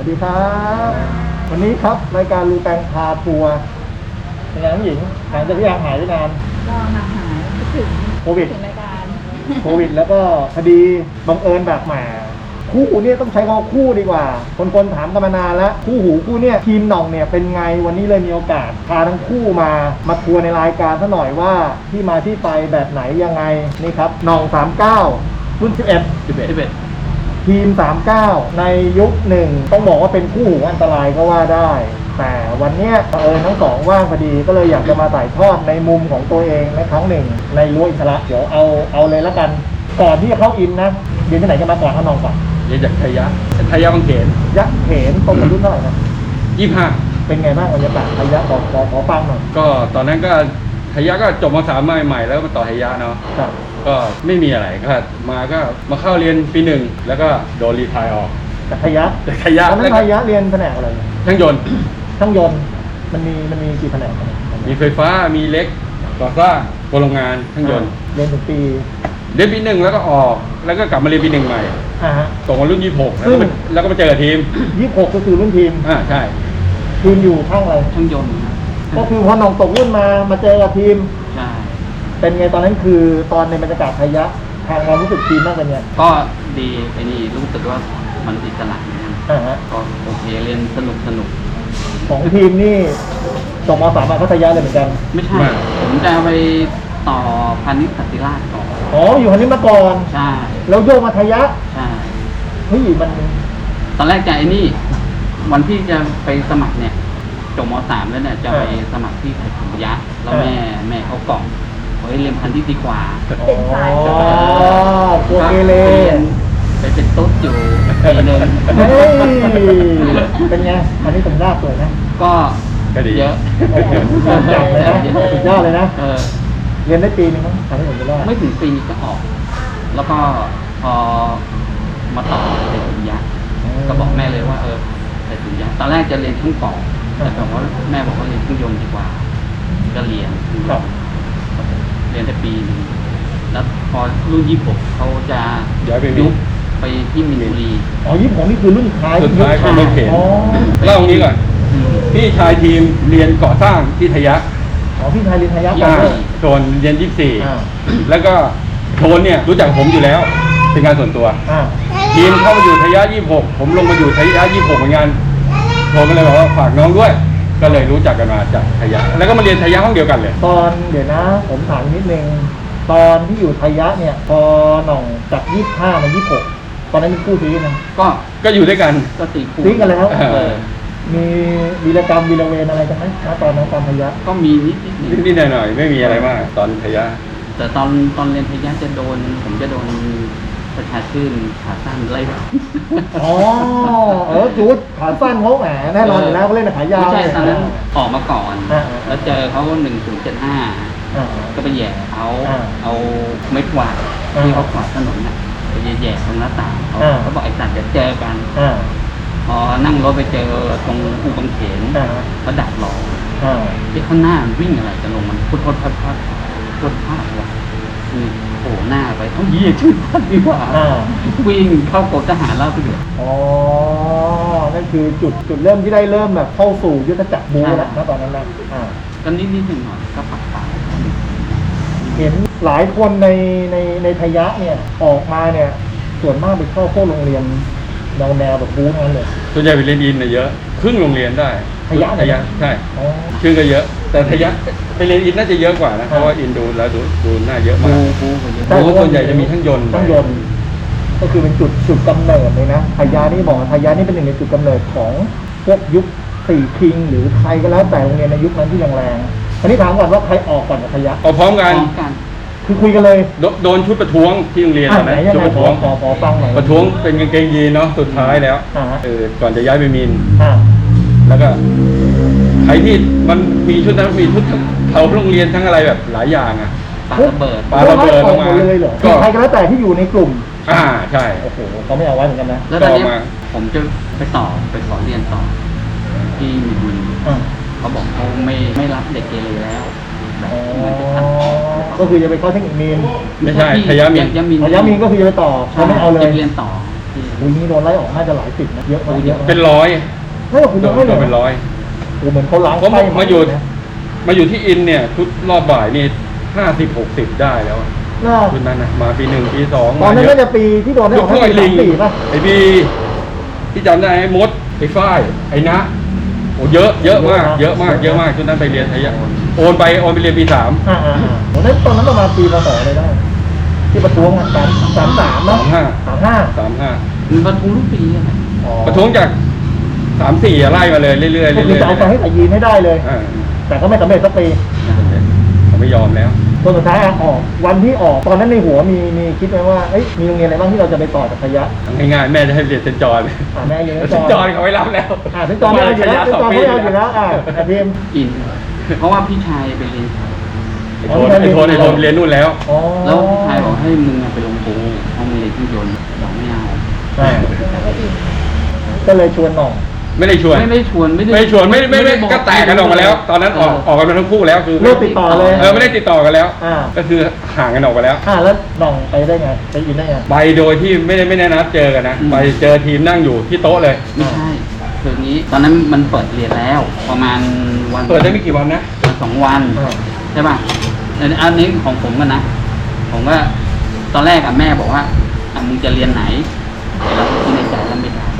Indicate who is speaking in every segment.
Speaker 1: ดีครับวันนี้ครับรายการรูแปงพาทัวร์เป็นไงน้องหญิงหลังจากที่หายไปนาน
Speaker 2: ก็ห่างหายคิดถึง
Speaker 1: โควิด
Speaker 2: รายการ
Speaker 1: โควิดแล้วก็คดีบังเอิญแบบแหมคู่หูเนี่ยต้องใช้คำว่าคู่ดีกว่าคนถามกันมานานแล้วคู่หูคู่เนี่ยทีมหน่องเนี่ยเป็นไงวันนี้เลยมีโอกาสพาทั้งคู่มาทัวร์ในรายการซะหน่อยว่าที่มาที่ไปแบบไหนยังไงนี่ครับหน่อง39รุ่น11ทีม39ในยุคหนึ่งต้องบอกว่าเป็นคู่หูอันตรายก็ว่าได้แต่วันนี้ทั้งสองว่างพอดีก็เลยอยากจะมาถ่ายทอดในมุมของตัวเองในครั้งหนึ่งในรั้วอิสระเดี๋ยวเอาเลยแล้วกันก่อนที่จะเข้าอินนะเรียนที่ไหนกันมาก่อนข้างนอกก่อน
Speaker 3: เรียนจากไทยะบางเขน
Speaker 1: ยะเขนตรงกับรุ่นเท่าไหร่นะ
Speaker 3: 25
Speaker 1: เป็นไงบ้างบรรยากาศไทยะขอฟังหน่อย
Speaker 3: ก็ตอนนั้นก็ไทยะก็จบม.3ใหม่แล้วก็มาต่อไทยะเนาะก็ไม่มีอะไรก็มาเข้าเรียนปี1แล้วก็โดนรีไทร์ออก
Speaker 1: จากไทยะ
Speaker 3: แล้วไทย
Speaker 1: ะเรียนแผนกอะไร
Speaker 3: ช่างยนต์
Speaker 1: มันมีกี่แผนก
Speaker 3: มีไฟฟ้ามีเล็กก่อสร้างโรงงานช่างยนต์
Speaker 1: เรียนถึงปี
Speaker 3: 1แล้วก็ออกแล้วก็กลับมาเรียนปี1ใหม่ตกมารุ่น26แล้วก็มาเจอทีม
Speaker 1: 26ก็คือรุ่นทีม
Speaker 3: ใช่
Speaker 1: ทีมอยู่ข้างอะไร
Speaker 2: ช่างยนต์
Speaker 1: ก็คือพอน้องตกรุ่นมาเจอกับทีม
Speaker 2: ใช่
Speaker 1: เป็นไงตอนนั้นคือตอนในบรรยากาศไทยะทางความรู้สึกทีมบ้างเป็นไง
Speaker 2: ก็ดีไอ้นี่รู้สึกว่ามันอิสระนะก็โอเคเรียนสนุก
Speaker 1: ของทีมนี่จบม.3มาก็ไทยะเลยเหมือนกัน
Speaker 2: ไม่ใช่ผมจะไปต่อพาณิชย์สันติราษฎร์ก่อน
Speaker 1: อยู่พาณิชย์มาก่อน
Speaker 2: ใช่
Speaker 1: แล้วโยกมาไทยะ
Speaker 2: ใช่
Speaker 1: เฮ้ยมัน
Speaker 2: ตอนแรกจะไอ้นี่วันที่จะไปสมัครเนี่ยจบม.3แล้วเนี่ยจะไปสมัครที่ไทยสันติยะแล้วแม่เขากล่อมเรียนพันธุ์ที่ดีกว่า
Speaker 1: ตัวเกเร
Speaker 2: ไปเป็นตุ๊ดอยู่ปีนึง
Speaker 1: เป็นไงอันนี้ผมยากเลยนะ
Speaker 2: ก็เยอะ
Speaker 1: สุดยอดเลยนะเรียนได้ปีนึงมั้งทำให้ผมได้
Speaker 2: ไม่ถึงปีก็ออกแล้วก็พอมาต่อเสร็จยะก็บอกแม่เลยว่าเสร็จยะตอนแรกจะเรียนช่างก่อแต่แบบว่าแม่บอกว่าเรียนเครื่องยนต์ดีกว่าก็เรียนได้ปีนึงแล้วพอรุ่น26เขาจะยุบไปที่มินบุรี
Speaker 1: 26นี่คือรุ่นท้าย
Speaker 3: ของรถเข็นเล่าตรงนี้ก่อนพี่ชายทีมเรียนก่อสร้างที่ไทยะ
Speaker 1: พี่ชายเรียนไทยะ
Speaker 3: โทนเรียน24แล้วก็โทนเนี่ยรู้จักผมอยู่แล้วเป็นงานส่วนตัวทีมเข้ามาอยู่ไทยะ26ผมลงมาอยู่ไทยะ26เหมือนกันโทนก็เลยบอกว่าฝากน้องด้วยก็เลยรู้จักกันมาจากไทยะแล้วก็มาเรียนไทยะห้องเดียวกันเลย
Speaker 1: ตอนเดี๋ยวนะผมถามนิดนึงตอนที่อยู่ไทยะเนี่ยพอหน่องจาก25มา26ตอนนั้นเป็นคู่ซีนะ
Speaker 3: ก็อยู่ด้วยกัน
Speaker 2: ก็
Speaker 1: ซีกันแล้วมีวีรกรรมวีรเวรอะไรกันไหมตอนนั้นตอนไทยะ
Speaker 2: ก็มี
Speaker 3: นิดหน่อยไม่มีอะไรมากตอนไทยะ
Speaker 2: แต่ตอนเรียนไทยะผมจะโดนประชาชื่นขาสั้นไล่
Speaker 1: จูดขาสั้นเขาแหมแน่นอนอยู่แล้วเขาเล่นขายาว
Speaker 2: ไม่ใช่ตอนนั้นออกมาก่อนแล้วเจอเขา1075ก็ไปแย่เอาไม้กวาดที่เขากวาดถนนน่ะไปแย่ตรงหน้าต่างเขาบอกไอ้สัตว์จะเจอกันพอนั่งรถไปเจอตรงอู่บางเขนเขาดักรอที่ข้างหน้าวิ่งอะไรจะลงมันพุทธพัดว่ะโผล่หน้าไปยี่ชื่อพัดดีกว่าวิ่งเข้ากรมทหารราบเดือด
Speaker 1: นั่นคือจุดเริ่มที่ได้เริ่มแบบเข้าสู่ยุทธจักรบูแล้วนะตอนนั้นนะ
Speaker 2: ก็นิดหน่อยก็ปักป่า
Speaker 1: เห็นหลายคนในไทยะเนี่ยออกมาเนี่ยส่วนมากไปเข้าพวกโรงเรียนแนวแบบบูทั้งนั้นเลย
Speaker 3: ส่วนใหญ่ไปเรียนอินเยอะครึ่งโรงเรียนได้
Speaker 1: ไทยะ
Speaker 3: ใช่ครึ่งก็เยอะแต่ไทยะไปเรียนอินน่าจะเยอะกว่านะเพราะว่าอินดูแล้วดูน่าเยอะมากบูส่วนใหญ่จะมีทั้งยนต์
Speaker 1: ก็คือเป็นจุดกำเนิดเลยนะไทยะนี่บอกไทยะนี่เป็นหนึ่งในจุดกำเนิดของพวกยุค4คิงหรือใครก็แล้วแต่โรงเรียนในยุคนั้นที่แรงๆอันนี้ถามก่อนว่าใครออกก่อนกับไทยะ
Speaker 3: ออกพร้อมกัน
Speaker 1: คือคุยกันเลย
Speaker 3: โดนชุดประท้วงที่โรงเรียนตอนนั้นชุดประท้วง
Speaker 1: ฟังหน่อย
Speaker 3: ประท้วงเป็นกางเกงยีนเนาะสุดท้ายแล้วก่อนจะย้ายไปมินแล้วก็ใครที่มันมีชุดนั้นมีชุดเขาโรงเรียนทั้งอะไรแบบหลายอย่าง
Speaker 2: ปาระเบิด
Speaker 1: ออกมาเลยเหรอใครก็แล้วแต่ที่อยู่ในกลุ่ม
Speaker 3: ใช่
Speaker 1: โอ้โหเขาไม่เอาไว้เหมือนกันนะ
Speaker 2: แล้วตอนนี้ผมจะไปขอเรียนต่อที่มินเขาบอกเขาไม่รับเด็กเกเรแล้ว
Speaker 1: ก็คือจะไปเข้าเทคนิคมีน
Speaker 3: ไม่ใช่ไทยะมีน
Speaker 1: ก็คือจะไปต่อเขาไม่เอาเลย
Speaker 2: เรียนต่อที่
Speaker 1: อุ้ยนี่โดนไล่ออกน่าจะหลายสิบนะเยอะมากเยอะ
Speaker 3: เป็นร้อย
Speaker 1: ไม่หรอกคุณ
Speaker 3: โด
Speaker 1: โด
Speaker 3: น
Speaker 1: นไม่
Speaker 3: โด
Speaker 1: เลย
Speaker 3: นเป็นร้อย
Speaker 1: โอ้เหมือนเขาล้าง
Speaker 3: ผม
Speaker 1: ไส้
Speaker 3: มาอยู่ที่อินเนี่ยชุดรอบบ่ายนี่50-60ได้แล้วอะ
Speaker 1: น่า
Speaker 3: ชุดนั้นนะมาปี 1 ปี 2
Speaker 1: ตอนนั้น
Speaker 3: เย
Speaker 1: ก็
Speaker 3: อะ
Speaker 1: จะปีที่โดนได้
Speaker 3: ย
Speaker 1: อก อก
Speaker 3: พวกไอ้ลิง
Speaker 1: ปีป่ะ
Speaker 3: ไอ้บีที่จำได้ไอ้มดไอ้ฝ้ายไอ้นะโอ้เยอะมากเยอะมากชุดนั้นไปเรียนไทยะโอนไปเรียนปี 3
Speaker 1: ผมนั้นตอนนั้นประมาณปีพศอะไรได้ ที่ประท้วงอ่ะ33นะ35
Speaker 2: มันประท้วงทุกปีอะ
Speaker 1: อ๋อ
Speaker 3: ประท้วงจาก3-4ไล่มาเลยเรื่อยๆ
Speaker 1: ก็คือจะเอาไปให้ใส่ยีนให้ได้เลย
Speaker 3: อ่า
Speaker 1: แต่ก็ไม่สำเร็จสักปี
Speaker 3: เขาไม่ยอมแล้ว
Speaker 1: จนสุดท้ายออกวันที่ออกตอนนั้นในหัวมีคิดไหมว่าเอ้ยมีโรงเรียนอะไรบ้างที่เราจะไปต่อจากพยะ
Speaker 3: ง่ายๆแม่จะให้เรียนเซนต์จอห์น
Speaker 1: แม่เรียน
Speaker 3: เซนต์จอห์นเขาไม่รับแล้ว
Speaker 1: เซนต์จอห์นไม่เอาอยู่แล้วเซนต์จอห์นไม่เอาอยู่แล้วแต่ทีม
Speaker 2: อิน เพราะว่าพี่ชายไปเรียน
Speaker 3: ไอ้โทนเรียนนู่นแล้ว
Speaker 1: อ๋อ
Speaker 2: แล้วพี่ชายบอกให้มึงไปลงปูห้องเรียนเครื่องยนต์บอกไม่เอา
Speaker 1: ใช่ก็เลยชวนหน่อง
Speaker 3: ไม่ได้ชวน
Speaker 2: ไม่ชวนไม่
Speaker 3: ไม่ก็แตกกันออกมาแล้ว ตอนนั้นออกกันมาทั้งคู่แล้วคือ
Speaker 1: เลิกติดต่อเลย
Speaker 3: ไม่ได้ติดต่อกันแล้ว
Speaker 1: อ่า
Speaker 3: ก็คือห่างกันออกไปแล้ว
Speaker 1: แล้วหน่องไปได้ไงไปอินได้ไง
Speaker 3: ไปโดยที่ไม่ได้นัดเจอกันนะไปเจอทีมนั่งอยู่ที่โต๊ะเลย
Speaker 2: ไม่ใช่คืองี้ตอนนั้นมันเปิดเรียนแล้ว ประมาณวัน
Speaker 3: เปิดได้ไม่กี่วันนะ
Speaker 2: 2 วันใช่ป่ะอันนี้ของผมกันนะ ผมก็ตอนแรกแม่บอกว่ามึงจะเรียนไหนเราคิดในใจแล้วไม่ได้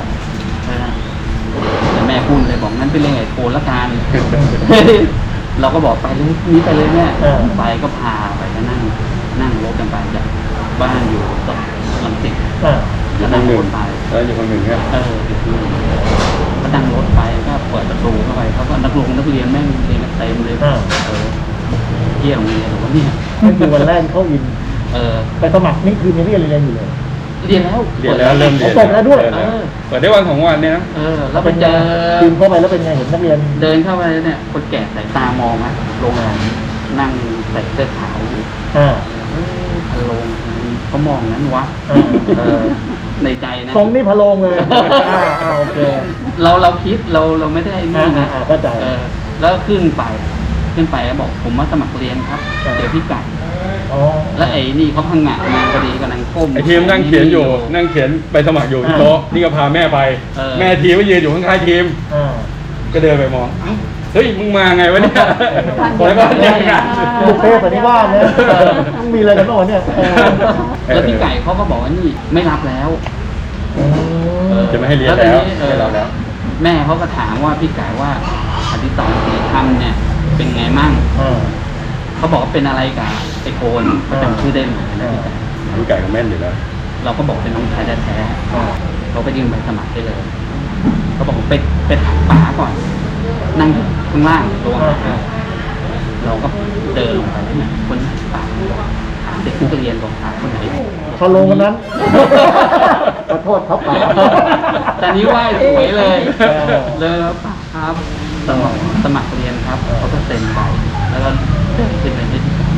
Speaker 2: แต่แม่พูดเลยบอกงั้นไปเรียนไอ้โคนละกัน เราก็บอกไปเลยนี้ไปเลยแม่ไปก็พาไปก็นั่งรถกันไปจากบ้านอยู่ตลังสิตแล้วนั่งรถไป
Speaker 3: แล้วอยู่คนหนึ่งครับ
Speaker 2: ก็นั่งรถไปก็เปิดประตูเข้าไปเขาก็นักเรียนแม่งเรียนกันเต็มเลยเที่ยโรงเรียนหรือว่าเนี่ย
Speaker 1: นั่นคือวันแรกเข้าอิน ไปสมัครนี่คือยังไม่เรียนอยู่เลย
Speaker 2: เรียนแล้ว
Speaker 3: เริ่มเรียน
Speaker 1: เปิดแล้วด้วย
Speaker 3: เปิดได้วัน2 วันเนี่ยนะ
Speaker 2: แล้วไปเจอ
Speaker 1: ทีมเข้าไปแล้วเป็นไงเห็นนักเรียน
Speaker 2: เดินเข้าไปเนี่ยคนแก่สายตามองนะโรงงานนั่งใส่เสื้อขาวอยู่พะโลงเขามองนั้นวะในใจนะ
Speaker 1: ทรงนี่พะโลงเลยโอเค
Speaker 2: เราคิดเราไม่ได้นี่นะ
Speaker 1: เข้าใจ
Speaker 2: แล้วขึ้นไปแล้วบอกผมมาสมัครเรียนครับเจอพี่ไก่แล้วไอ้นี่เขาพังงะมาพอดีกำลังก้ม
Speaker 3: ไอทีมนั่งเขียนอยู่นั่งเขียนไปสมัครอยู่ที่โต๊ะนี่ก็พาแม่ไป แม่ทีมก็ยืนอยู่ข้างๆทีมก็เดินไปมองเฮ้ยมึงมาไงวะเนี่ยแล้วก็แยกกัน
Speaker 1: บุฟเฟ่ต์สันนิวาสเนี่ยต้องมีอะไรกันบ้างเนี่ย
Speaker 2: แล้วพี่ไก่เขาก็บอกว่านี่ไม่รับแล้ว
Speaker 3: จะไม่ให้เรียนแล้วไม่รับแล้ว
Speaker 2: แม่เขาก็ถามว่าพี่ไก่ว่าอดิศรศรีธรรมเนี่ยเป็นไงมั่งเขาบอกว่าเป็นอะไรกับไอโคนเขาจำชื่อได้ไหมนะพี่ไก่
Speaker 3: พี่ไก่ก็แม่นอยู่แล้ว
Speaker 2: เราก็บอกเป็นน้องชายแท้ๆเขาก็ยื่นใบสมัครได้เลยเขาบอกไปถามป๋าก่อน นั่งอยู่ข้างล่างตัวเราก็เดินลงไปเนี่ยคนป๋าถามเด็กนักเรียนบอกถามคนไหน
Speaker 1: พะโลงคนนั้นขอโทษครับป๋า
Speaker 2: แต่นี้ไหว้สวยเลยป๋าครับสมัครเรียนครับเขาก็เซ็นไปแล้วก็เดินขึ้นไปที่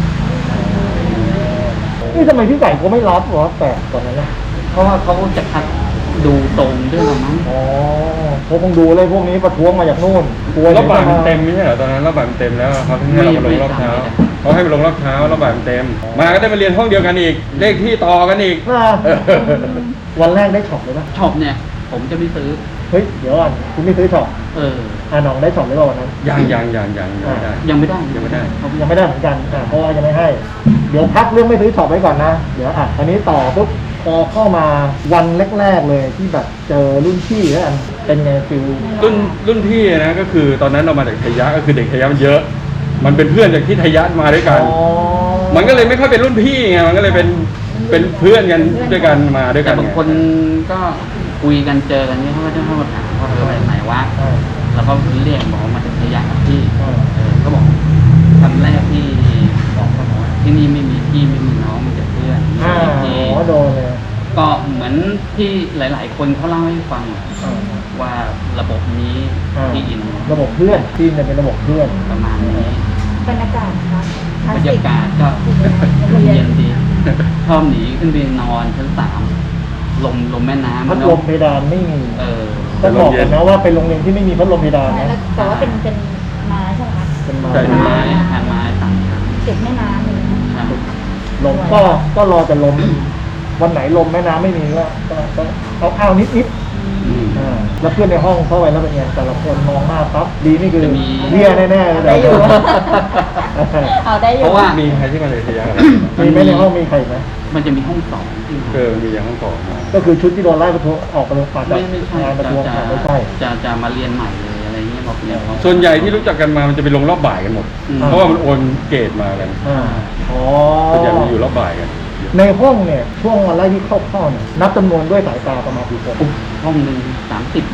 Speaker 1: นี่ทำไมพี่ไก่เขาไม่รับวะแต่ตอนนั้นนะ
Speaker 2: เพราะว่าเขาจะคัดดูตรงด้วยหรือมั้ง
Speaker 1: เขาคงดูเลยพวกนี้ประท้วงมาจากนู่นกลัว
Speaker 3: แล้วบ่ายมันเต็มไม่ใช่เหรอตอนนั้นแล้วบ่ายมันเต็มแล้วเขาถึงให้เรามาลงรอบเช้าเขาให้มาลงรอบเช้าแล้วบ่ายมันเต็มมาก็ได้มาเรียนห้องเดียวกันอีกเลขที่ต่อกันอีก
Speaker 1: วันแรกได้ช็อปเลยปะ
Speaker 2: ช็อปเนี่ยผมจะไม่ซื้อ
Speaker 1: เฮ้ยเดี๋ยวก่อนคุณไม่ซื้อช็อป น้องได้ช็อปหรือเปล่าวันนั้น
Speaker 3: ยังไม่ได้
Speaker 2: ยังไม่ได้
Speaker 1: ยังไม่ได้เหมือนกันเพราะว่ายังไม่ให้เดี๋ยวพักเรื่องไม่ซื้อช็อปไว้ก่อนนะเดี๋ยวอันนี้ต่อปุ๊บพอเข้ามาวันแรกๆเลยที่แบบเจอรุ่นพี่แล้วกันเป็นไงฟิล
Speaker 3: รุ่นพี่นะก็คือตอนนั้นเรามาจากไทยะก็คือเด็กไทยะมันเยอะ มันเป็นเพื่อนจากที่ไทยะมาด้วยกันมันก็เลยไม่ค่อยเป็นรุ่นพี่ไงมันก็เลยเป็นเพื่อนกันด้วยกันมาด้วยกั
Speaker 2: แต่
Speaker 3: น
Speaker 2: บางคนก็คุยกันเจอกันเนี่ยเขาก็จะเข้ามาถามว่าไปไหนวะแล้วก็เรียกบอกมาจากระยะกับพี่ก็บอกคำแรกที่บอกเขาบอกว่าที่นี่ไม่มีพี่ไม่มีน้องมีแต่เพื่อน
Speaker 1: โดนเลย
Speaker 2: ก็เหมือนที่หลายๆคนเขาเล่าให้ฟังว่าระบบนี้ที่อิน
Speaker 1: ระบบเพื่อนทีมเนี่ยเป็นระบบเพื่อน
Speaker 2: ประมาณนี้
Speaker 4: บรรยากาศนะคะ
Speaker 2: บรรยากาศก็เย็นดีชอบหนีขึ้นไปนอนชั้น3ลมแม่น้ำ
Speaker 1: พัดลมเพดานไม่มี
Speaker 2: ก็
Speaker 1: ต้องบอกกันนะว่าเป็นโรงเรียนที่ไม่มีพัดลมเพดานนะ
Speaker 4: แต่ว่าเป็นไม้ใช่ไหมคะ
Speaker 1: เป็นไม้
Speaker 2: ใช่ไม้ทางไม้ต่างกัน
Speaker 4: ติดแม่น้ำเลยนะ
Speaker 1: ลมก็รอแต่ลมวันไหนลมแม่น้ำไม่มีก็ข้าวๆนิด
Speaker 3: อืม
Speaker 1: ๆแล้วเพื่อนในห้องเข้าไปแล้วเป็นไงแต่ละคนมองหน้าปั๊บดีนี่คือ
Speaker 2: จะมี
Speaker 1: เบี้ยแน่ๆเลย
Speaker 4: ได้อยู่ เอาได้อยู่
Speaker 2: เพราะว่า
Speaker 3: มีใครที่มาเลยทะยะอะไร
Speaker 1: มีไหมในห้องมีใครอีกไหม
Speaker 2: มันจะมีห้องสองที่
Speaker 3: มีอย่างห้องสองมา
Speaker 1: ก็คือชุดที่โดนไล่ประท้วงออกประท้วงมาจาก
Speaker 2: ไม่ใช่
Speaker 1: งานประท้วงไม่ใช่
Speaker 2: จะมาเรียนใหม่เลยอะไรเงี้ยบอกเรียนเขา
Speaker 3: ส่วนใหญ่ที่รู้จักกันมามันจะไปลงรอบบ่ายกันหมด
Speaker 2: อืม
Speaker 3: เพราะว่ามันโอนเกรดมากัน
Speaker 1: อ๋อ
Speaker 3: ส่วนใหญ่มันอยู่รอบบ่ายกัน
Speaker 1: ในห้องเนี่ยช่วงวันแรกที่เข้าเนี่ยนับจำนวนด้วยสายตาประมาณกี่คน
Speaker 2: ห้องหนึ่ง30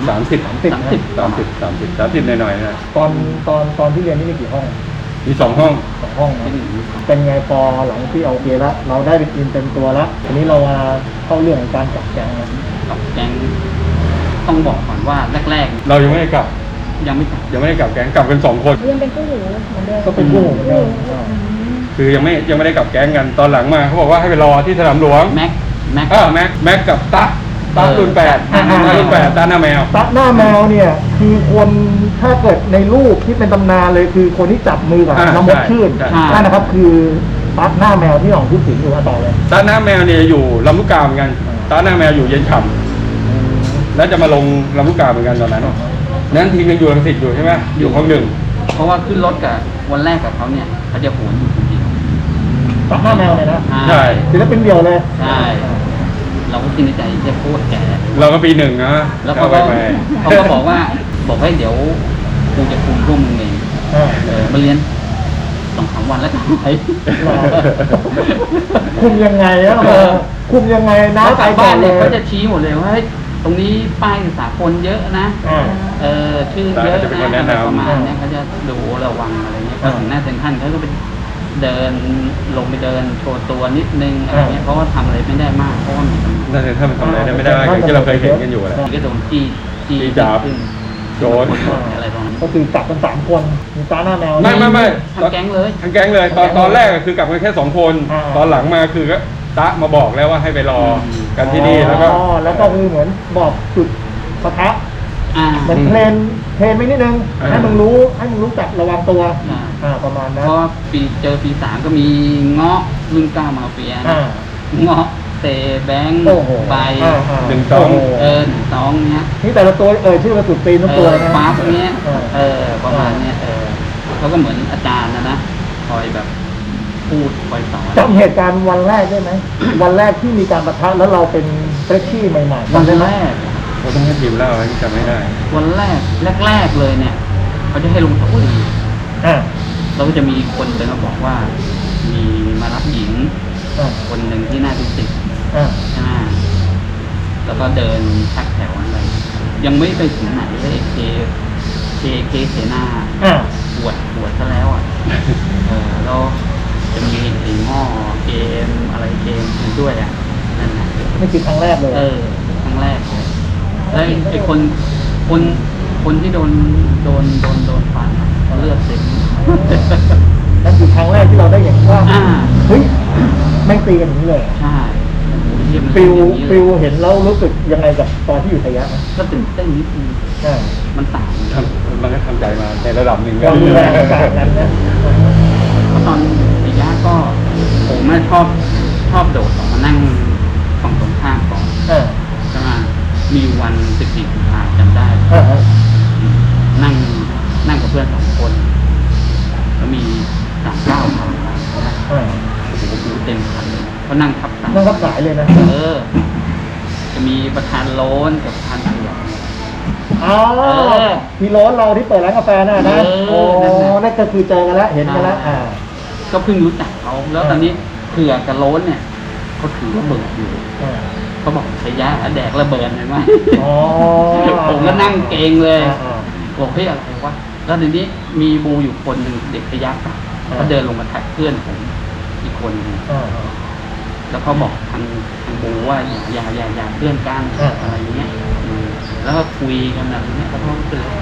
Speaker 3: 30หน่อยๆนะ
Speaker 1: ตอนที่เรียนนี่มีกี่ห้อง
Speaker 3: มี2 ห้อง
Speaker 1: สองห้องนะ
Speaker 2: เป็น
Speaker 1: เป็นไงพอหลังที่เอาโอเคแล้วเราได้เป็นอินเต็มตัวแล้วทีนี้เรามาเข้าเรื่องของการจับแกงนะ
Speaker 2: กับแก๊งต้องบอกก่อนว่าแรก
Speaker 3: เรายังไม่ได้กลับ
Speaker 2: ๆยังไม่จับ
Speaker 3: ยังไม่ได้กลับแก๊งกลับกัน2 คน
Speaker 4: ยังเป็นคู่หูเหมือนเดิม
Speaker 1: ก็เป็นคู่เหมือนเดิม
Speaker 3: คือยังไม่ได้กลับแก๊งกันตอนหลังมาเขาบอกว่าให้ไปรอที่สนามหลวง
Speaker 2: แม็ก
Speaker 3: แม็กกับตะรุ่น8รุ่น8ตาหน้าแมว
Speaker 1: ตะหน้าแมวเนี่ยคือคนถ้าเกิดในรูปที่เป็นตำนานเลยคือคนที่จับมือกับ
Speaker 3: อ่า
Speaker 1: น้องมดชื่น
Speaker 3: ใช่
Speaker 1: นั่นนะครับคือตะหน้าแมวที่หนองพูดถึงอยู่ต่อเลย
Speaker 3: ตาหน้าแมวเนี่ยอยู่ลำลูกกาเหมือนกันตาหน้าแมวอยู่เย็นฉ่ำแล้วจะมาลงลำลูกกาเหมือนกันตอนนั้นนั้นทีมยังอยู่รังสิตอยู่ใช่ไหมอยู่ห้อง 1
Speaker 2: เพราะว่าขึ้นรถกับวันแรกกับเขาเนี่ยเขาจะโหนอยู่คนเดียว
Speaker 1: ตะหน้าแมวเลยนะ
Speaker 3: ใช่
Speaker 1: ศิลปินเดียวเลย
Speaker 2: ใช่เราก็คิดในใจจะพูดแก
Speaker 3: เราก็ปี 1นะ
Speaker 2: แล้วเขา
Speaker 3: ไป
Speaker 2: ก็เขาก็บอกให้เดี๋ยวกูจะคุมพวกมึงเอง มาเรียน2-3 วันแล้วกันไป
Speaker 1: คุมยังไงอะคุมยังไงน้า
Speaker 2: แล้ว
Speaker 1: ไป
Speaker 2: กลับ
Speaker 1: ก่อ
Speaker 2: บ้าน น
Speaker 1: เล
Speaker 2: เนี่ย
Speaker 1: ย
Speaker 2: เขาจะชี้หมดเลยว่าเฮ้ยตรงนี้ป้ายสากลเยอะนะ ชื่อเยอะนะอะไรประมาณเนี้ยเขาจะดูระวังอะไรเงี้ยพอถึงหน้าเซ็นทรัลเขาก็ไปเดินลงไปเดินโชว์ตัวนิดนึงอะไรเงี้ยเพราะว่าทำอะไรไม่ได้มากเพราะว่ามีตำรวจ
Speaker 3: น่าจะถ้ามันทำอะไรได้ไม่ได้อย่างที่เราเคยเห็นกันอยู่แหละ
Speaker 2: ก็โดนจี้
Speaker 3: จี้จับ
Speaker 2: ขึ้น
Speaker 3: โจร
Speaker 2: อะไรตรงนั้น
Speaker 1: ก็คือจับกัน3 คนมีตาหน้าแมว
Speaker 3: ไม่
Speaker 2: ทั้งแก๊งเลย
Speaker 3: ทั้งแก๊งเลยตอนแรกคือกลับกันแค่2 คน ตอนหลังมาคือก็ตะมาบอกแล้วว่าให้ไปรอกันที่นี่แล้วก็
Speaker 1: แล้วก็คือเหมือนบอกจุดปะทะ เหมือนเทรนไม่นิดนึงให้มึงรู้จักระวังตัวประมาณนั้น
Speaker 2: เพราะเจอปี3ก็มีเงาะรุ่น9มาเฟียเงาะเตแบงค์ใบ 1-2เนี้ย
Speaker 1: นี่แต่ละตัวชื่อมาสุดตีนทุกตัวนะ
Speaker 2: ปั๊บเนี้ยประมาณเนี้ยเขาก็เหมือนอาจารย์นะคอยแบบพูดคอยสอน
Speaker 1: จำเหตุการณ์วันแรกได้ไหม วันแรกที่มีการปะทะแล้วเราเป็นเฟรชชี่ใหม่ๆ
Speaker 2: วัน
Speaker 1: จำได้ไหม
Speaker 2: แรก
Speaker 3: เราต้องให้ทีมเล่าให้จำไม่ได้
Speaker 2: วันแรกเลยเนี่ยเขาจะให้ลงเสาหลี เราก็จะมีคนเดินมาบอกว่า มีมารับหญิง คนหนึ่งที่หน้าที่10ใช่ไหมแล้วก็เดินชักแถวอะไรยังไม่ไปถึงไหนเลยเคเสนาปวดซะแล้วอ่ะแล้วจะมีไอ้หม้อเกมอะไรเกมด้วยอ่ะนั่นนะ
Speaker 1: นี่คือครั้งแรกเลย
Speaker 2: ครั้งแรกเลยแล้วไอ้คนที่โดนฟันอะเลือดเต็ม
Speaker 1: นั่นคือครั้งแรกที่เราได้เห็นว่า เฮ้ยแม่งตีกันอย่างนี้เลย
Speaker 2: ใช่เยี่ยม
Speaker 1: ฟิลเห็นแล้วรู้สึกยังไงกับตอนที่อยู่ไทยะไหม
Speaker 2: ก็ตื่นเต้นนิดนึงมันต่าง
Speaker 3: มันก็ทำใจมาในระดับหนึ่ง
Speaker 1: ความรุนแรงต่างกันนะ
Speaker 2: เพราะตอนระยะก็ผมไม่ชอบโดดออกมานั่งฝั่งตรงข้ามก่อนใช่ไหมมีวัน14 กุมภาพันธ์จำได้ นั่งกับเพื่อน2 คน แล้วมี39 คันนะโอ้โหเต็มคันเลยเขานั่งทับสาย
Speaker 1: นั่งทับสายเลยนะ
Speaker 2: จะมีประธานโล้นกับประธานเผือก
Speaker 1: อ๋อพี่โร้นเราที่เปิดร้านกาแฟน่ะนะโอ้นั่นก็คือเจอกันแล้วเห็นกันแล้ว
Speaker 2: ก็เพิ่งรู้จักเขาแล้วตอนนี้เผือกกับโล้นเนี่ยเขาถือระเบิดอยู่เขาบอกขยะแดกระเบิดเห็นไหมผมก็นั่งเกรงเลยบอกเฮ้ยอะไรวะแล้วทีนี้มีบูอยู่คนหนึ่งเด็กขยักเขาเดินลงมาทักเพื่อนผมอีกคนนึงแล้วเขาบอกทางบูว่าอย่าเพื่อนกันอะไรเงี้ยแล้วก็คุยกันอะไรเงี้ยแล้วเขาก็เลย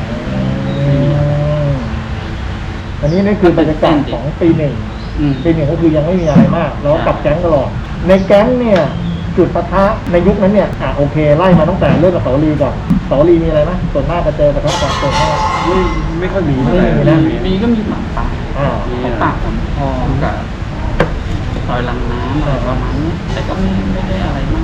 Speaker 1: อันนี้นี่คือบรรยากาศของปี 1 ปี 1ก็คือยังไม่มีอะไรมากเรากลับแก๊งตลอดในแก๊งเนี่ยจุดปะทะในยุคนั้นเนี่ยโอเคไล่มาตั้งแต่เริ่มกับเสาลีก่อนเสาลีมีอะไรไหมส่วนมากจะเจอปะทะกับตัวพ่อ
Speaker 3: ไม่ค่อยมีเท่าไหร่
Speaker 2: มีก็มีหมาป่าของปากของพอกับซอยลังน้ำอะไรประมาณนี้แต่ก็ไม่ได้อะไรมาก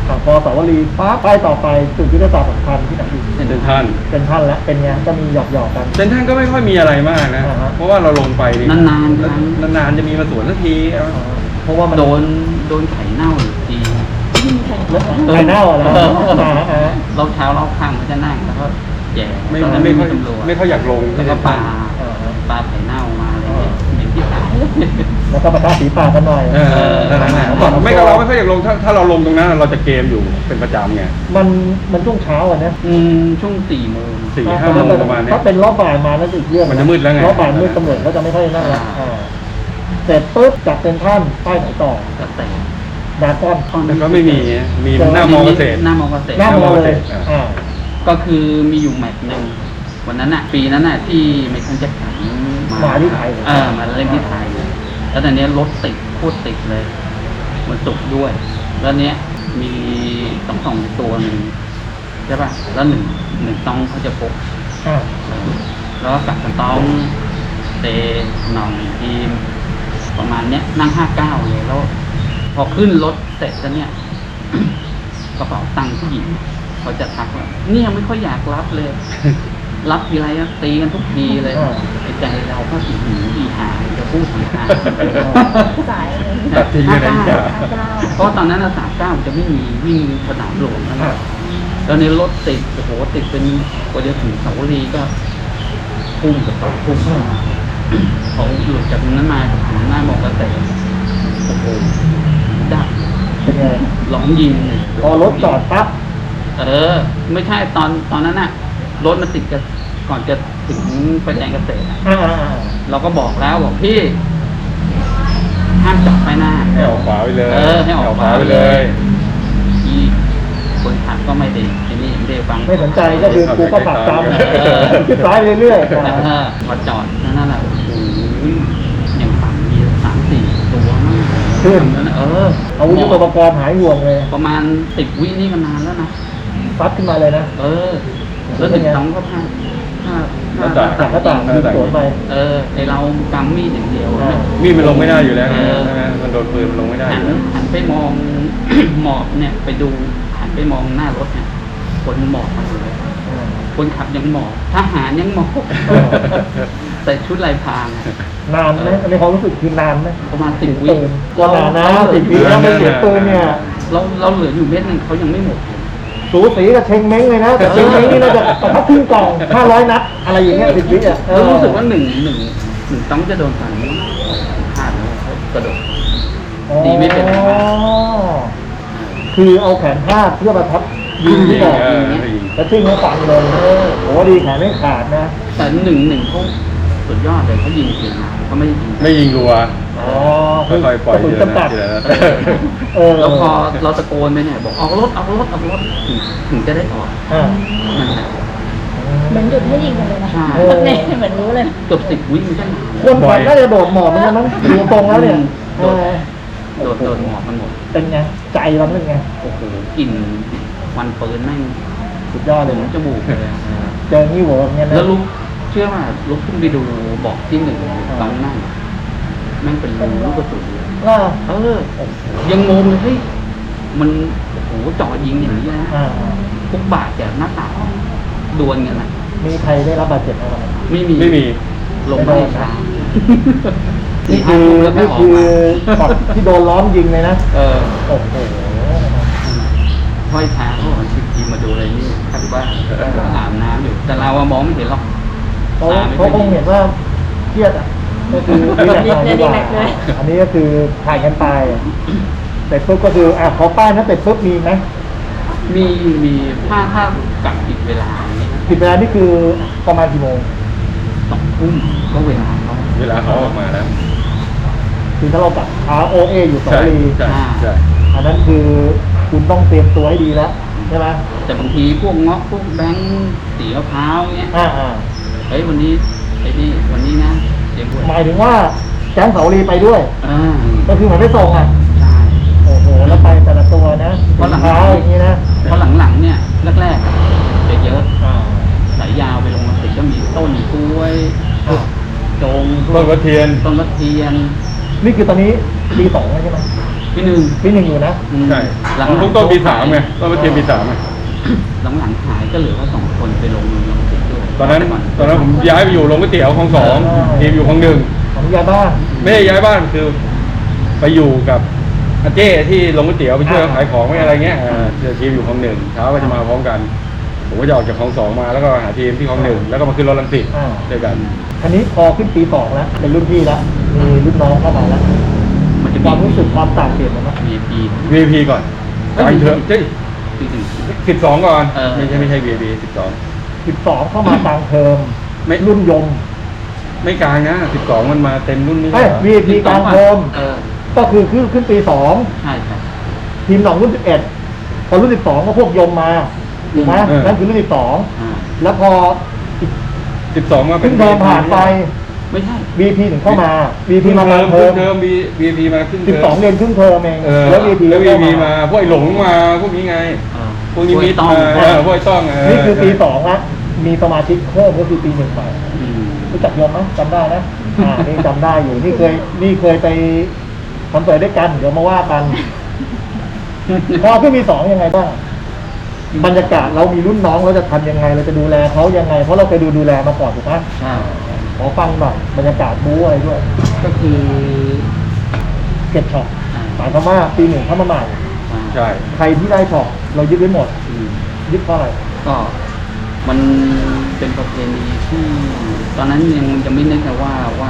Speaker 1: พอสาวรีปั๊บป้ายต่อไปจุดยุทธศาสตร์สำคัญที่ไหนดี
Speaker 3: เซ็นทรัล
Speaker 1: เป็นท่านแล้วเป็นไงก็มีหยอกๆกัน
Speaker 3: เซ็นทรัลก็ไม่ค่อยมีอะไรมากนะ
Speaker 1: อ่าฮะ
Speaker 3: เพราะว่าเราลงไปนี่
Speaker 2: นานๆครั้ง
Speaker 3: นานๆจะมีมาสวนสักที
Speaker 1: เพราะว่ามัน
Speaker 2: โดนไข่เน่าอยู่ที
Speaker 1: ไข่เน่าอะไร
Speaker 2: เราเช้าเราข้างมันจะนั่งแล้วก็แย่
Speaker 3: ไม่
Speaker 2: ตอนนั้น
Speaker 3: ไม่
Speaker 2: ไม่
Speaker 3: ค่อย
Speaker 2: มีตำรวจ
Speaker 3: ไม่ค่อยอยากลง
Speaker 2: แล้วก็ปลาไข่เน่ามาอะไรเงี้ยอย่างที่ตาย
Speaker 1: แล้วก็ประทาสีปากกันหน่อย
Speaker 3: นั่นแหละไม่ก็เราไม่ค่อยอยากลงถ้าเราลงตรงนั้นเราจะเกมอยู่เป็นประจำไง
Speaker 1: มันช่วงเช้าอ่ะนะ
Speaker 2: ช่วง4 โมง
Speaker 3: 4-5 โมงประมาณเนี้ย
Speaker 1: ถ้าเป็นรอบบ่ายมานั่นอีกเรื่อง
Speaker 3: มันจะมืดแล้วไง
Speaker 1: รอบบ่ายมืดตำรวจเขาจะไม่ค่อยนั่งละ
Speaker 2: อ่า
Speaker 1: เสร็จปุ๊บจากเป็นท่านป้ายไหนต่อ
Speaker 2: กระแส
Speaker 1: ดาก้อน
Speaker 3: แต่ก็ไม่มีหน้ามอเกษตร
Speaker 2: หน้ามอเกษตร
Speaker 1: หน้ามอเลย
Speaker 3: อ่า
Speaker 2: ก็คือมีอยู่แมตช์หนึ่งวันนั้นน่ะปีนั้นน่ะที่ไมเคิลแจ็คสัน
Speaker 1: มาที่ไทย
Speaker 2: มาเล่นที่ไทยแล้วตอนนี้รถติดโคตรติดเลยมันสุกร์ด้วย แล้วเนี้ยมีสองตัวหนึ่งใช่ป่ะแล้วหนึ่งต้องเขาจะพก
Speaker 1: อ่า
Speaker 2: แล้วก็กลับกันต้องเตหนองทีม ประมาณเนี้ยนั่ง59เลยแล้ว พอขึ้นรถเสร็จแล้วเนี่ย กระเป๋าตังค์ผู้หญิงเขาจะทักว่าเนี่ยไม่ค่อยอยากรับเลย รับทีไรก็ตีกันทุกทีเลยไอ้ใจเราก็สีหูดีหายจะพูดสีหาย
Speaker 4: สายเลย
Speaker 3: ตัดทิ้งไปไหนจ้ะ
Speaker 2: เพราะตอนนั้น39จะไม่มีวิ่งสนามหลวงแล้วนะแล้วในรถติดโอ้โหติดเป็นกว่าจะถึงเสาวรีก็พุ่งกับต่อพุ่งเขาหลุดจากนั้นมาถึงหน้ามองกระเตะโอ้โหดับ
Speaker 1: เป็นไง
Speaker 2: ร้องยิงเลย
Speaker 1: พอรถจอดปั๊บ
Speaker 2: ไม่ใช่ตอนนั้นน่ะรถมันติดกันก่อนจะถึงไฟแดงเกษตรอะ
Speaker 1: อ่า
Speaker 2: เราก็บอกแล้วบอกพี่ ห้ามจอดไปหน้า
Speaker 3: ให้ออกขวาไปเลย
Speaker 2: ให้ออกขวาไปเลยที่คนขับก็ไม่ได้ทีนี้ไม่ได้ฟัง
Speaker 1: ไม่สนใจก็คือกูก็ขับตามคิดซ้ายไปเรื่อย
Speaker 2: มาจอดนั่นแหละโอ้โหอย่างต่ำมี3-4 ตัวมาก
Speaker 1: ๆขึ้น อาวุธยุทโธปกรณ์หายห่วงเลย
Speaker 2: ประมาณ10 วินี่ก็นานแล้วนะ
Speaker 1: ซัดขึ้นมาเลยนะ
Speaker 2: แล้วถึง2ก็พลาด
Speaker 1: จากหน้าต่างยิงสวนไป
Speaker 2: ในเรากำมีดอย่างเดียว
Speaker 3: มีดมันลงไม่ได้อยู่แล้วใช่ไหมมันโดนปืนมันลงไม่ได้อยู่แล้ว
Speaker 2: หันไปมอง หมอบเนี่ยไปดูหันไปมองหน้ารถเนี่ยคนหมอบมาเลยคนขับยังหมอบทหารยังหมอบแต่ชุดลายพราง
Speaker 1: นานไหมในความรู้สึกคือนานไหม
Speaker 2: ประมาณ10 วิ
Speaker 1: ก็นานนะ10 วิแล้วไม่เสียปืนเนี่ย
Speaker 2: เราเหลืออยู่เม็ดหนึงเขายังไม่หมด
Speaker 1: สูสีกับเชงเม้งเลยนะแต่เชงเม้งนี่น่าจะประทับครึ่งกล่อง500 นัดอะไรอย่างเงี้ย10 วิอ่ะ
Speaker 2: แล้วรู้สึกว่าหนึ่งต้องจะโดนฟันพลาดแล้วเขากระโดด ดีไม่เป็นไร
Speaker 1: คือเอาแขนพาดเพื่อประทับยิงที่บอก แล้วชิ่งเขาฝังเลยโอ้ดีแขนไม่ขาดนะ
Speaker 2: แต่หนึ่งเขาสุดยอดเลยเขายิงจริงนะเขาไม่ได้ยิง
Speaker 3: ไม่ยิงรัว
Speaker 1: อ๋อ
Speaker 3: ค่อยๆปล่อย
Speaker 1: กระสุน
Speaker 3: ทีละ
Speaker 1: จำกัด
Speaker 3: ทีละนัด
Speaker 2: แล้วพอเราตะโกนไปเนี่ยบอกออกรถถึงจะได้ออก
Speaker 1: อ่า
Speaker 2: นั่นแหละ
Speaker 4: เหมือนหยุดให้ยิงกันเลยนะ
Speaker 2: ใช่
Speaker 4: เนี่ยเหมือนรู้เลย
Speaker 2: เกือบ10 วิมันก็นาน
Speaker 1: คนขับน่าจะโดดหมอบเหมือนกันมั้งดูตรงแล้วเนี่ย
Speaker 2: โดนหมอกมันหมด
Speaker 1: เป็นไงใจเราเป็นไง
Speaker 2: โอ้โหกลิ่นควันปืนแม่ง
Speaker 1: สุดยอดเลย
Speaker 2: ถึง
Speaker 1: นะ
Speaker 2: จมูกเลย
Speaker 1: เจองี้หัวอย่างเงี้ยนะ
Speaker 2: แล้วลุกเชื่อว่าลุกขึ้นไปดูบอกที่1ตอนนั่งแม่งเป็นลูกกระสุน
Speaker 1: อ่า
Speaker 2: ยังงงเลยเฮ้ยมันโอ้โหจ่อยิงอย่างนี้นะ
Speaker 1: อ่า
Speaker 2: ทุกบาทจากหน้าต่างดวลกันนะ
Speaker 1: มีใครได้รับบาดเจ็บอะไรไหม
Speaker 2: ไม่มีลงไม่ช้า
Speaker 1: นี่คือ
Speaker 2: แล้วไม่
Speaker 1: นี่
Speaker 2: ออก
Speaker 1: คือ
Speaker 2: มา
Speaker 1: ช็อตที่โดนล้อมยิงเลยนะโอ้โห
Speaker 2: ห้อยเท้าเขาบอกทีมาดูอะไรนี่คาดว่าอาบน้ำอยู่แต่เรามองไม่เห็นหรอก
Speaker 1: เขาคงเห็นว่าเครียดอ่ะก็คือรีแลกซ์ดีกว่าอันนี้ก็คือถ่ายกันตายเสร็จปุ๊บก็คือขอป้ายนะเสร็จปุ๊บมีไหม
Speaker 2: มีถ้ากลับผิดเวลาอย่างนี้
Speaker 1: ผิดเวลานี่คือประมาณกี่โมง
Speaker 2: 2 ทุ่มก็เวลาเขา
Speaker 3: เวลาเขาออกมาแล้ว
Speaker 1: คือถ้าเรากลับ ROA อยู่สองรี
Speaker 3: ใช่
Speaker 1: อันนั้นคือคุณต้องเตรียมตัวให้ดีแล้วใช่ไหม
Speaker 2: แต่บางทีพวกเงาะพวกแบงค์สีมะพร้าวเงี้ย เฮ้ยวันนี้วันนี้นะเตรียมด้วย
Speaker 1: หมายถึงว่าแก๊งเสาลีไปด้วย ก็คือเหมือนไม่ส่งอ่ะ
Speaker 2: ใช่
Speaker 1: โอ้โห แล้วไปแต่ละตัวนะ
Speaker 2: เพราะหลัง
Speaker 1: เท้าอย่างนี้นะ
Speaker 2: เพราะหลังๆเนี่ยแรกๆจะเยอะสายยาวไปลงมาติดก็มีต้นกล้วยจง
Speaker 3: ต้นกระเทียน
Speaker 2: ต้นกระเทียน
Speaker 1: นี่คือตอนนี้ปี 2แล้วใช่ไหม
Speaker 2: ปีหนึ่ง
Speaker 1: ปีหนึ่งอยู่นะ
Speaker 3: ใช่
Speaker 2: หลัง
Speaker 3: ผมต้นปี3ไงต้นมาเทียมปี3ไง
Speaker 2: หลังหายก็เหลือว่า2 คนไปลงติดด้วย
Speaker 3: ตอนนั้นผมย้ายไปอยู่โรงก๋วยเตี๋ยวคลอง2ทีมอยู่คลอง1
Speaker 1: ของยาบ้าน
Speaker 3: ไม่ได้ย้ายบ้านคือไปอยู่กับอาเจ้ที่โรงก๋วยเตี๋ยวไปช่วยเขาขายของไม่อะไรเงี้ยทีมอยู่คลอง1เช้าก็จะมาพร้อมกันผมก็จะออกจากคลอง2มาแล้วก็หาทีมที่คลอง1แล้วก็มาขึ้นรถรังสิตด้วยกัน
Speaker 1: อันนี้พอขึ้นปี2แล้วเป็นรุ่นพี่แล้วมีรุ่นน้องเข้ามาแล้ว
Speaker 2: มันจะ
Speaker 1: ความรู้สึกความต่างเปลี่ยนไหม
Speaker 2: VIP
Speaker 3: VIP ก่อนกลางเทอมเจ๊
Speaker 2: ปีหนึ่ง
Speaker 3: 12ก่อน
Speaker 2: เออ
Speaker 3: ไม่ใช่ VIP
Speaker 1: 12เข้ามากลางเทอม
Speaker 3: ไม่
Speaker 1: รุ่นยม
Speaker 3: 12ไม่กลางนะ12มันมาเต็มรุ่นนี้
Speaker 1: เอ้ย VIP กลางเทอม
Speaker 2: เออ
Speaker 1: ก็คือขึ้นปี
Speaker 2: ใช่ครับ
Speaker 1: 2ทีมหนองรุ่น11พอรุ่น12ก็พวกยมมาถูกไหมนั่นคือรุ่น12แล้วพอ
Speaker 3: 12มาเป็
Speaker 1: ขึ้
Speaker 3: น
Speaker 1: นเทอมผ่านไป
Speaker 2: ไม่ใช่
Speaker 1: BP ถึงเข้ามา BP มากลางเทอม
Speaker 3: เทอม VIP มาขึ้นเทอม
Speaker 1: 12เรียนครึ่งเทอมเอง
Speaker 3: แล้ว
Speaker 1: VIP
Speaker 3: แล้ว
Speaker 1: เข้า
Speaker 3: VIP มาพวกไอ้หลงมาพวกนี้ไง พวกนี้มี
Speaker 2: ต้อง
Speaker 3: พวกไอ้ต้อง
Speaker 1: นี่คือปี2ละมีสมาชิกเพิ่มก็คือปี1ไป รู้จักยมไหมจำได้นะนี่จำได้อยู่นี่เคยไปคอนเสิร์ตด้วยกันเดี๋ยวมาว่ากัน พอขึ้นปี2ยังไงบ้างบรรยากาศเรามีรุ่นน้องเราจะทำยังไงเราจะดูแลเขายังไงเพราะเราเคยดูแลมาก่อนถูกไหม
Speaker 2: ใช่
Speaker 1: ขอฟังหน่อยบรรยากาศบู๊อะไรด้วย
Speaker 2: ก็คือ
Speaker 1: เก็บช็อปหมายความว่าปี1เข้ามาใหม่
Speaker 3: ใช่
Speaker 1: ใครที่ได้ช็อปเรายึดไว้หมดยึดเพราะอะไร
Speaker 2: ก็มันเป็นประเพณีที่ตอนนั้นยังไม่นึกนะว่า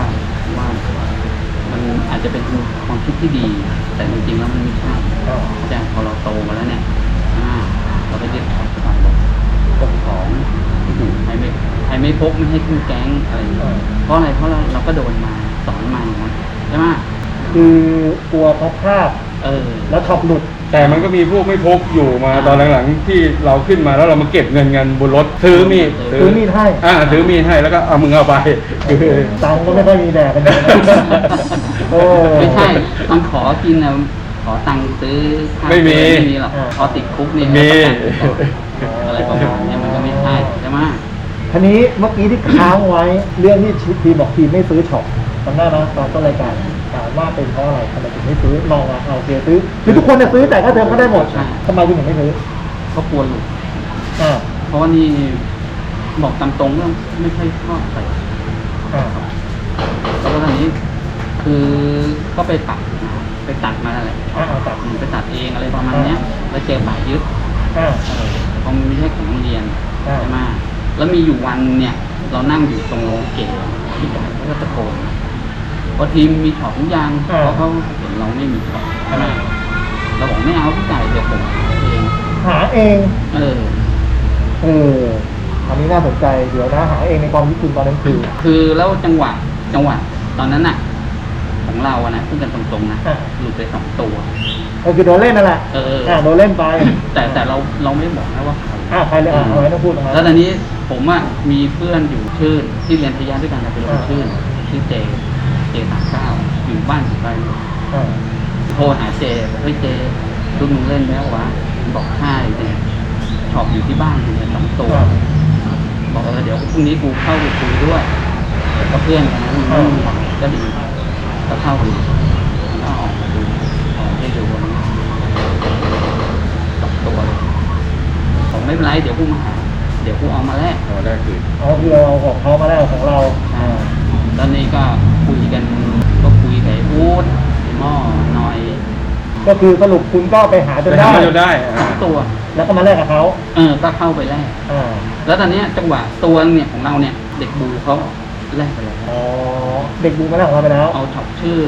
Speaker 2: มันอาจจะเป็นความคิดที่ดี แต่จริงๆแล้วมันไม่ใช่แต่พอเราโตมาแล้วเนี่ยเราไปยึดของสบายบอกของใครไม่พกไม่ให้ขึ้นแก๊งอะไรอย่างเงี้ยเพราะอะไรเพราะเราก็โดนมาสอนมาอย่างนั้นใช่ไหม
Speaker 1: คือกลัวเขาพลาดแล้วช็อปหลุด
Speaker 3: แต่มันก็มีพวกไม่พกอยู่มาตอนหลังๆที่เราขึ้นมาแล้วเรามาเก็บเงินกันบนรถซื้อมีด
Speaker 1: ซื้อมีดให้
Speaker 3: ซื้อมีดให้แล้วก็เอามึงเอาไปคือ
Speaker 1: ตังค์ก็ไม่ค่อยมีแดกกันเลยโอ้
Speaker 2: ไม่ใช่ต้องขอกินนะขอตังค์ซื้อข้าว
Speaker 3: ไม่มี
Speaker 2: หรอกพอติดคุกนี่
Speaker 3: มี
Speaker 2: อะไรประมาณนี้มันก็ไม่ใช่ใช่ไหม
Speaker 1: ทีนี้เมื่อกี้ที่ค้างไว้เรื่องที่ทีมบอกทีมไม่ซื้อช็อปจำได้ไหมตอนต้นรายการถามว่าเป็นเพราะอะไรทำไมถึงไม่ซื้อลองเอาเสียซื้อคือทุกคนเนี่ยซื้อแต่ก็เทอมก็ได้หมดทำไมคุณถึงไม่ซื้อ
Speaker 2: ก็กลัวหลุด
Speaker 1: อ่า
Speaker 2: เพราะว่านี่บอกตามตรงว่าไม่ค่อยชอบใส่
Speaker 1: อ่า
Speaker 2: แล้วก็ตอนนี้คือก็ไปตัดมาอะไร
Speaker 1: ตัด
Speaker 2: ไปตัดเองอะไรประมาณเนี้ยแล้วเจอป่ายึด
Speaker 1: อ่า
Speaker 2: เพราะมันไม่ใช่ของโรงเรียน
Speaker 1: อ่า
Speaker 2: ใช่ไหมแล้วมีอยู่วันเนี่ย เรานั่งอยู่ตรงโรงเกตที่จ่ายเขาก็ตะโกนพอทีมมีช็อปทุกอย่างเพราะเขาเห็นเราไม่มีช็อปใช่ไหมเราบอกไม่เอาพี่จ่ายเดี๋ยวผมหาเอง
Speaker 1: หาเองอันนี้น่าสนใจเดี๋ยวนะหาเองในความคิดคุณตอนนั้นคือ
Speaker 2: แล้วจังหวะตอนนั้นน่ะ ของเราอะนะพูดกันตรงๆนะหลุดไป2 ตัว
Speaker 1: ก็คือโดนเล่นนั่นแหละโดนเล่นไป
Speaker 2: แต่เราไม่บอกนะว่าใคร
Speaker 1: ใครเลยเอาไว้ต้องพูดตรงนั้น
Speaker 2: แล้วตอนนี้ผมอะมีเพื่อนอยู่ชื่นที่เรียนพยาด้วยกันนะเป็นลงชื่นชื่อเจ39อยู่บ้านอยู่ไกลโทรหาเจบอกเฮ้ยเจลูกมึงเล่นแล้ววะบอกใช่เนี่ยช็อปอยู่ที่บ้านเนี่ย2 ตัวบอกเดี๋ยวพรุ่งนี้กูเข้าไปคุยด้วยก็เพื่อนกันนะก็ดีก็เข้าไปแล้วก็ออกมาดูออกให้ดูวันนี้2 ตัวเลยผมไม่เป็นไรเดี๋ยวกูมาหาเดี๋ยวกูเอามาแลก
Speaker 3: ได้คือ
Speaker 1: คือเราเอาของเขามาแล้วของเรา
Speaker 2: ตอนนี้ก็คุยกันก็คุยกับไอ้อู๊ดหม้อหน่อย
Speaker 1: ก็คือสรุปคุณก็ไปหาจนได้
Speaker 3: ได้
Speaker 2: 2 ตัว
Speaker 1: แล้วก็มาแลกกับเขา
Speaker 2: ก็เข้าไปแลก
Speaker 1: อ่า
Speaker 2: แล้วตอนนี้จังหวะตัวเนี่ยของเราเนี่ย เด็กบูเขาแลกไปแล้ว
Speaker 1: อ๋อเด็กบูมาแลกของเราไปแล้ว
Speaker 2: เอาช็อปชื่อ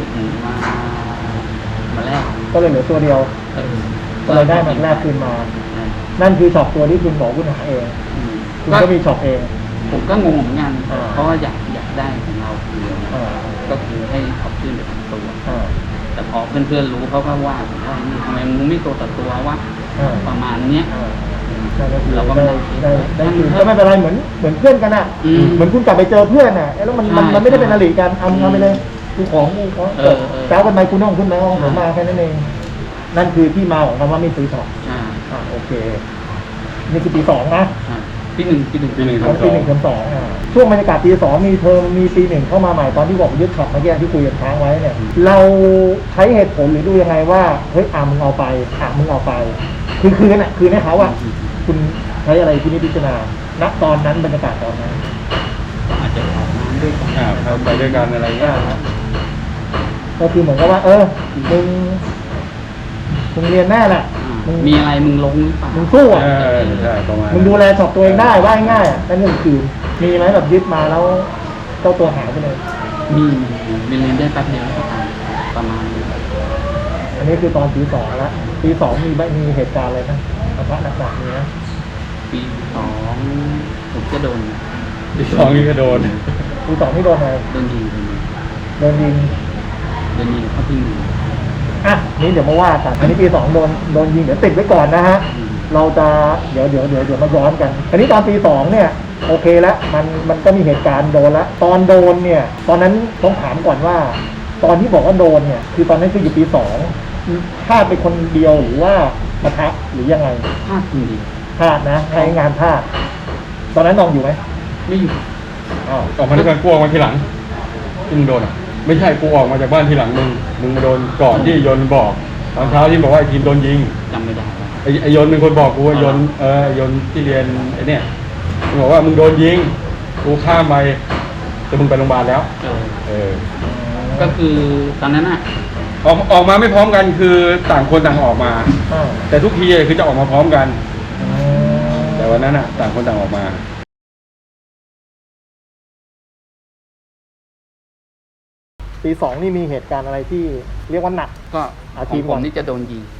Speaker 2: มาแลก
Speaker 1: ก็เลยเหลือตัวเดียว ก็เลยได้มาแลกคืนมา นั่นคือช็อปตัวที่คุณบอกคุณหาเองคุณก็มีช็อปเอง
Speaker 2: ผมก็งงเหมือนกันเพราะว่าอยากได้ของเราคือก็คือให้ช็อปชื่อเป็นตัว แต่พอเพื่อนๆรู้เขาก็ว่าผมว่านี่ทำไมมึงไม่ตัวต่อตัววะประมาณเนี้ย
Speaker 1: เราก็ได้คืนก็ไม่เป็นไรเหมือนเพื่อนกันอ่ะเหมือนคุณกลับไปเจอเพื่อนอ่ะแล้วมันไม่ได้เป็นอริกันเอาไปเลยกูของแซวกันไปคุณน้องคุณน้องผมมาแค่นั้นเองนั่นคือที่มาของคำว่าไม่ซื้อช็อปโอเคนี่คือปี2นะ
Speaker 2: ปีหนึ่งปีหนึ่ง
Speaker 3: ปีหนึ่ง
Speaker 1: ของปีหนึ่งเทอมสองช่วงบรรยากาศปีสองมีเทอมมีปีหนึ่งเข้ามาใหม่ตอนที่บอกยึดช็อปเมื่อกี้ที่คุยกันค้างไว้เนี่ยเราใช้เหตุผลหรือดูยังไงว่าเฮ้ยมึงเอาไปมึงเอาไปคือคืนให้เขาคุณใช้อะไรที่นี่พิจารณาณตอนนั้นบรรยากาศตอนนั้น
Speaker 2: อาจจะออกน้ำด้วยกัน
Speaker 3: ไปด้วยกันอะไรเงี้ย
Speaker 1: ก็คือเหมือนกับว่ามึงเรียนแน่แหละ
Speaker 2: มีอะไรมึงลงหรือเปล่า
Speaker 1: มึงสู้อ่ะ
Speaker 3: ใช่ประมาณ
Speaker 1: มึงดูแลช็อปตัวเองได้ว่าง่ายๆนั่นก็คือมีไหมแบบยึดมาแล้วเจ้าตัวหายไปเลย
Speaker 2: มีเรียนได้แป๊บเดียวแล้วก็ตายประมาณนี้
Speaker 1: อันนี้คือตอนปีสองแล้วปีสองมีเหตุการณ์อะไรนะปะทะหนักๆมีนะ
Speaker 2: ปีสองผมจะโดน
Speaker 3: ที่สองนี่ก็โดน
Speaker 1: ปีสองนี่โดนอะไร
Speaker 2: โดนยิง
Speaker 1: โดนยิง
Speaker 2: เข้าที่มือ
Speaker 1: อ่ะนี่เดี๋ยวมาว่ากันอันนี้ปีสองโดนยิงเดี๋ยวติดไว้ก่อนนะฮะ เราจะเดี๋ยวมาย้อนกัน อันนี้ตอนปีสองเนี่ยโอเคแล้วมันก็มีเหตุการณ์โดนแล้วตอนโดนเนี่ยตอนนั้นต้องถามก่อนว่า ตอนที่บอกว่าโดนเนี่ยคือตอนนั้นคืออยู่ปีสองพลาดไปคนเดียวหรือว่าปะทะหรือยังไง
Speaker 2: พลาดจริง
Speaker 1: พลาดนะใช้งานพลาดตอนนั้นน้องอยู่ไหม
Speaker 2: ไม่อยู่
Speaker 1: อ้าว
Speaker 3: ออกมาด้วยกันกูออกมาทีหลังที่มึงโดนอ่ะไม่ใช่กูออกมาจากบ้านทีหลังมึงมาโดนก่อนที่ยนต์บอกตอนเช้าที่บอกว่าไอ้ทีมโดนยิง
Speaker 2: จำไม่ได้แล้ว
Speaker 3: ไอ้ยนต์เป็นคนบอกกูว่ายนต์ยนต์ที่เรียนไอ้เนี่ยมึงบอกว่ามึงโดนยิงกูข้ามไปแต่มึงไปโรงพยาบาลแล้ว
Speaker 2: ก็คือตอนนั้นอ่ะ
Speaker 3: ออกมาไม่พร้อมกันคือต่างคนต่างออกมา
Speaker 1: อ้าว
Speaker 3: แต่ทุกทีคือจะออกมาพร้อมกัน แต่วันนั้นอ่ะต่างคนต่างออกมา
Speaker 1: ปีสองนี่มีเหตุการณ์อะไรที่เรียกว่าหนัก
Speaker 2: ก็
Speaker 1: อา
Speaker 2: ข
Speaker 1: ที
Speaker 2: อง
Speaker 1: ม
Speaker 2: ผ
Speaker 1: ก่อ
Speaker 2: ม
Speaker 1: น
Speaker 2: นี่จะโดนยิง